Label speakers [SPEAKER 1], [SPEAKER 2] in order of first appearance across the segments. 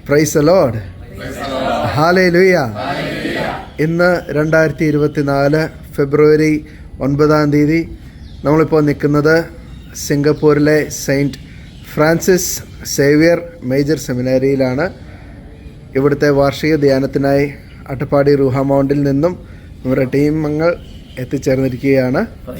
[SPEAKER 1] Praise the Lord. Hallelujah. ഇന്ന് 2024 ഫെബ്രുവരി 9 നമ്മളിപ്പോൾ നിൽക്കുന്നത് സിംഗപ്പൂരിലെ സെയിൻറ്റ് ഫ്രാൻസിസ് സേവിയർ മേജർ സെമിനാരിയിലാണ്. ഇവിടുത്തെ വാർഷിക ധ്യാനത്തിനായി അട്ടപ്പാടി റൂഹ മൗണ്ടിൽ നിന്നും നമ്മുടെ ടീമംഗങ്ങൾ എത്തിച്ചേർന്നിരിക്കുകയാണ്.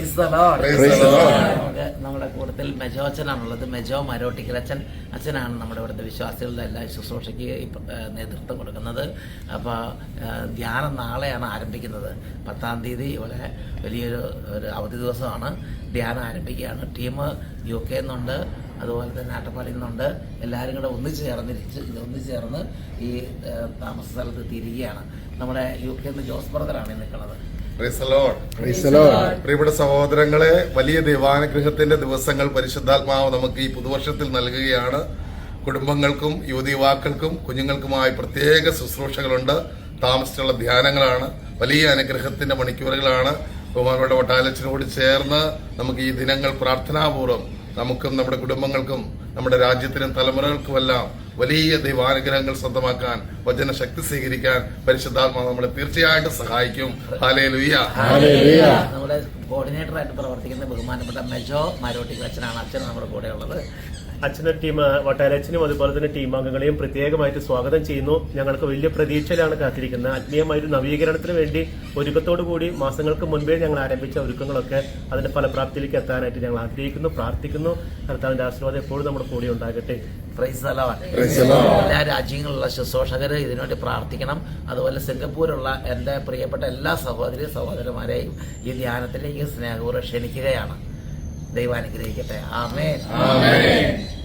[SPEAKER 2] നമ്മുടെ കൂട്ടത്തിൽ മെജോ അച്ഛനാണുള്ളത്. മെജോ മരോട്ടിക്കൽ അച്ഛനാണ് നമ്മുടെ ഇവിടുത്തെ വിശ്വാസികളുടെ എല്ലാ ശുശ്രൂഷയ്ക്ക് നേതൃത്വം കൊടുക്കുന്നത്. അപ്പോൾ ധ്യാനം നാളെയാണ് ആരംഭിക്കുന്നത്. 10-ാം തീയതി ഇവിടെ വലിയൊരു അവധി ദിവസമാണ്. ധ്യാനം ആരംഭിക്കുകയാണ്. ടീം UK നിന്നുണ്ട്, അതുപോലെ തന്നെ അട്ടപ്പാടിയിൽ നിന്നുണ്ട്. എല്ലാവരും കൂടെ ഒന്നിച്ചു ചേർന്ന് ഈ താമസ സ്ഥലത്ത് തിരികെയാണ്. നമ്മുടെ UK നിന്ന് ജോസ് ബ്രദറാണ് നിൽക്കുന്നത്.
[SPEAKER 3] പ്രിയപ്പെട്ട സഹോദരങ്ങളെ, വലിയ ദൈവാനുഗ്രഹത്തിന്റെ ദിവസങ്ങൾ പരിശുദ്ധാത്മാവ് നമുക്ക് ഈ പുതുവർഷത്തിൽ നൽകുകയാണ്. കുടുംബങ്ങൾക്കും യുവതിയുവാക്കൾക്കും കുഞ്ഞുങ്ങൾക്കുമായി പ്രത്യേക ശുശ്രൂഷകളുണ്ട്. താമസിച്ചുള്ള ധ്യാനങ്ങളാണ്. വലിയ അനുഗ്രഹത്തിന്റെ മണിക്കൂറുകളാണ്. ബഹുമാനപ്പെട്ട വട്ടാലച്ചനോട് ചേർന്ന് നമുക്ക് ഈ ദിനങ്ങൾ പ്രാർത്ഥനാപൂർവ്വം നമുക്കും നമ്മുടെ കുടുംബങ്ങൾക്കും നമ്മുടെ രാജ്യത്തിനും തലമുറകൾക്കുമെല്ലാം വലിയ ദൈവാനുഗ്രഹങ്ങൾ സ്വന്തമാക്കാൻ, വചന ശക്തി സ്വീകരിക്കാൻ പരിശുദ്ധാത്മാവ് നമ്മളെ തീർച്ചയായിട്ടും സഹായിക്കും. ഹല്ലേലൂയ.
[SPEAKER 2] നമ്മുടെ കോർഡിനേറ്ററായിട്ട് പ്രവർത്തിക്കുന്ന ബഹുമാനപ്പെട്ട മെജോ മരോട്ടിക്കൽ അച്ഛനാണ്. അച്ഛൻ നമ്മുടെ കൂടെ ഉള്ളത്.
[SPEAKER 4] അച്ഛൻ്റെ ടീം വട്ടാലച്ചനും അതുപോലെ തന്നെ ടീം അംഗങ്ങളെയും പ്രത്യേകമായിട്ട് സ്വാഗതം ചെയ്യുന്നു. ഞങ്ങൾക്ക് വലിയ പ്രതീക്ഷയിലാണ് കാത്തിരിക്കുന്നത്. ആത്മീയമായൊരു നവീകരണത്തിന് വേണ്ടി ഒരുക്കത്തോടു കൂടി മാസങ്ങൾക്ക് മുൻപേ ഞങ്ങൾ ആരംഭിച്ച ഒരുക്കങ്ങളൊക്കെ അതിന്റെ ഫലപ്രാപ്തിയിലേക്ക് എത്താനായിട്ട് ഞങ്ങൾ ആഗ്രഹിക്കുന്നു, പ്രാർത്ഥിക്കുന്നു. കർത്താവിന്റെ ആശീർവാദം എപ്പോഴും നമ്മുടെ കൂടെ ഉണ്ടാകട്ടെ.
[SPEAKER 2] എല്ലാ രാജ്യങ്ങളിലുള്ള ശുശ്രൂഷകർ ഇതിനുവേണ്ടി പ്രാർത്ഥിക്കണം. അതുപോലെ സിംഗപ്പൂരുള്ള എൻ്റെ പ്രിയപ്പെട്ട എല്ലാ സഹോദരന്മാരെയും ഈ ധ്യാനത്തിലേക്ക് സ്നേഹപൂർവ്വം ക്ഷണിക്കുകയാണ്. ദൈവം അനുഗ്രഹിക്കട്ടെ. ആമേൻ.